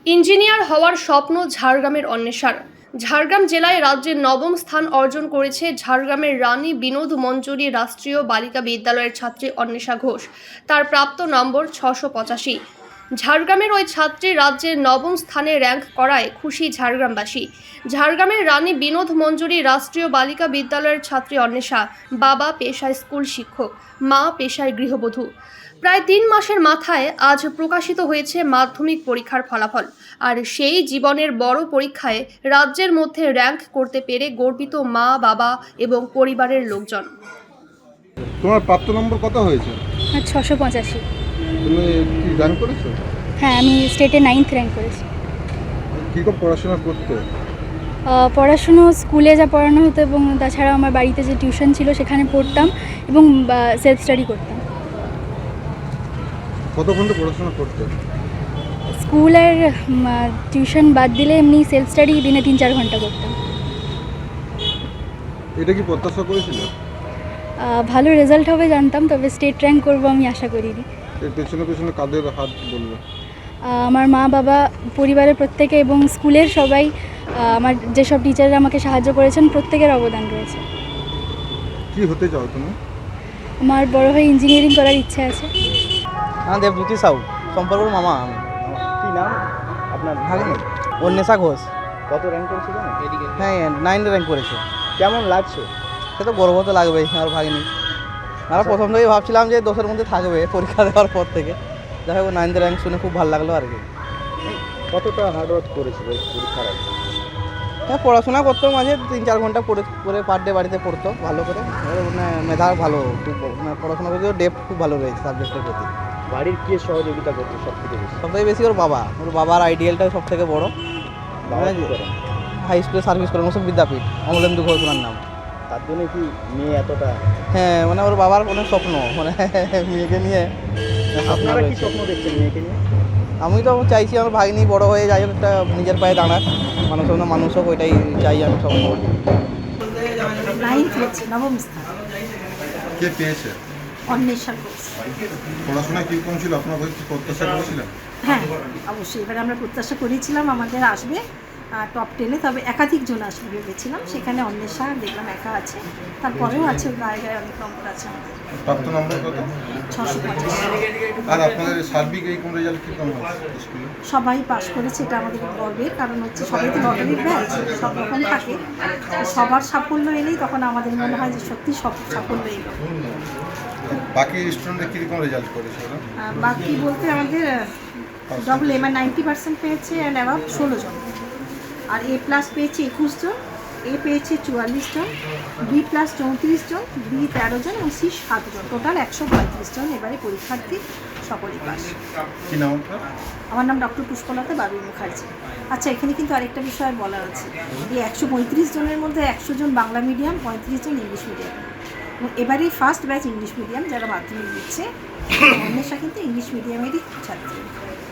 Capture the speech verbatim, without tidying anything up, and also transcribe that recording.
Engineer হওয়ার স্বপ্ন ঝাড়গ্রামের অন্বেষার। ঝাড়গ্রাম জেলায় রাজ্যের নবম স্থান অর্জন করেছে ঝাড়গ্রামের রানী বিনোদ মঞ্জুরি রাষ্ট্রীয় বালিকা বিদ্যালয়ের ছাত্রী অন্বেষা ঘোষ। তার প্রাপ্ত নম্বর ছশো পঁচাশি। ঝাড়গ্রামের ওই ছাত্রী রাজ্যের নবম স্থানে র্যাঙ্ক করায় খুশি ঝাড়গ্রামবাসী। ঝাড়গ্রামের রানী বিনোদ মঞ্জুরি রাষ্ট্রীয় বালিকা বিদ্যালয়ের ছাত্রী অন্বেষা বাবা পেশায় স্কুল শিক্ষক, মা পেশায় গৃহবধূ। প্রায় তিন মাসের মাথায় আজ প্রকাশিত হয়েছে মাধ্যমিক পরীক্ষার ফলাফল। আর সেই জীবনের বড় পরীক্ষায় রাজ্যের মধ্যে র্যাঙ্ক করতে পেরে গর্বিত মা, বাবা এবং পরিবারের লোকজন। তোমার প্রাপ্ত নম্বর কত হয়েছে? আর ছশো পঁচাশি। তুমি কি র্যাঙ্ক করেছো? হ্যাঁ, আমি স্টেটে নাইন্থ র্যাঙ্ক করেছি। কীরকম পড়াশোনা করতে? আহ, পড়াশুনো স্কুলে যা পড়ানো হতো এবং তাছাড়া আমার বাড়িতে যে টিউশন ছিল সেখানে পড়তাম এবং সেলফ স্টাডি করতাম। কত ঘন্টা পড়াশোনা করতে? স্কুল আর টিউশন বাদ দিলে এমনি সেলফ স্টাডি দিনে তিন চার ঘন্টা করতাম। এটা কি প্রত্যাশা করেছিল? আহ, ভালো রেজাল্ট হবে জানতাম, তবে স্টেট র্যাঙ্ক করবো আমি আশা করিনি। এর পেছনে পেছনে কাদের হাত বলবো? আহ, আমার মা, বাবা, পরিবারের প্রত্যেকে এবং স্কুলের সবাই, আহ, আমার যেসব টিচাররা আমাকে সাহায্য করেছেন প্রত্যেকের অবদান রয়েছে। কি হতে চাও তুমি? আমার বড় হয়ে ইঞ্জিনিয়ারিং করার ইচ্ছা আছে। হ্যাঁ, দেবজ্যোতি সাউ, সম্পর্কের মামা আমি। কি নাম আপনার? ভাগিনি অন্বেষা ঘোষ। কত র্যাঙ্ক করেছিল? এদিকে হ্যাঁ, নাইন র্যাঙ্ক করেছে। কেমন লাগছে? সে তো গর্ব তো লাগবেই আমার ভাগিনি। আমরা প্রথম থেকেই ভাবছিলাম যে দশের মধ্যে থাকবে পরীক্ষা দেওয়ার পর থেকে। যাই হোক, নাইন র্যাঙ্ক শুনে খুব ভালো লাগলো আর কি। কতটা হার্ডওয়ার্ক করেছিল পরীক্ষার আগে? হ্যাঁ, পড়াশোনা করতো, মাঝে তিন চার ঘন্টা পড়ে করে পার ডে বাড়িতে পড়তো ভালো করে। এবার মানে মেধা ভালো, খুব মানে পড়াশোনা করতে ডেপ খুব ভালো রয়েছে সাবজেক্টের প্রতি। বাড়ির কে সহযোগিতা করছে সব থেকে বেশি? সব থেকে বেশি ওর বাবা। ওর বাবার আইডিয়ালটাই সব থেকে বড়ো। বাবা কি করেন? হাই স্কুলে সার্ভিস করেন, ওসব বিদ্যাপীঠ, অমলেন্দু ঘোষ ওনার নাম। তার জন্য কি মেয়ে এতটা? হ্যাঁ, মানে ওর বাবার অনেক স্বপ্ন, মানে মেয়েকে নিয়ে স্বপ্ন আপনারা কি রয়েছে। স্বপ্ন দেখছেন মেয়েকে নিয়ে? আমি তো চাইছি আমার ভাগ্নি বড় হয়ে যাই হোক, একটা নিজের পায়ে দাঁড়াক, মানুষ হোক না মানুষ হোক, ওইটাই চাই আমি স্বপ্ন। নাইন্থ হচ্ছে, নবম স্থান। কে পেয়েছে? অন্বেষা ঘোষ। পড়াশোনা কীরকম ছিল? আপনার বই কি প্রত্যাশা করেছিলেন? হ্যাঁ, অবশ্যই। এবারে আমরা প্রত্যাশা করেছিলাম আমাদের আসবে টপ টেনে, তবে একাধিক জন আসবে ভেবেছিলাম। সেখানে অন্বেষা দেখলাম একা আছে, তারপরেও আছে গায়ে গায়ে অনেক নম্বর আছে আমাদের। প্রাপ্ত নম্বর কত? ছশো পঞ্চাশ। আর আপনাদের সার্বিক এই কোন রেজাল্ট কীরকম হয়েছে স্কুলে? সবাই পাশ করেছে, এটা আমাদের গর্বের কারণ হচ্ছে সবাই তো লটারির ব্যাচ, সব রকম থাকে। তো সবার সাফল্য এলেই তখন আমাদের মনে হয় যে সত্যি সব সাফল্য এলো। বাকি স্টুডেন্টরা কীরকম রেজাল্ট করেছে ওরা? আহ, বাকি বলতে আমাদের ডবল এম আর নাইনটি পার্সেন্ট পেয়েছে অ্যান্ড অ্যাবাভ ষোলো জন, আর এ প্লাস পেয়েছে একুশ জন, এ পেয়েছে চুয়াল্লিশ জন, বি প্লাস চৌত্রিশ জন, বি তেরো জন এবং সি সাত জন, টোটাল একশো পঁয়ত্রিশ জন এবারে পরীক্ষার্থী সকলেই পাস। কী নাম আপনার? আমার নাম ডক্টর পুষ্পলতা বাবু মুখার্জি। আচ্ছা, এখানে কিন্তু আরেকটা বিষয় বলার আছে, এই একশো পঁয়ত্রিশ জনের মধ্যে একশো জন বাংলা মিডিয়াম, পঁয়ত্রিশ জন ইংলিশ মিডিয়াম। এবং এবারেই ফার্স্ট ব্যাচ ইংলিশ মিডিয়াম যারা মাধ্যমিক দিচ্ছে। অন্বেষা কিন্তু ইংলিশ মিডিয়ামেরই ছাত্রী।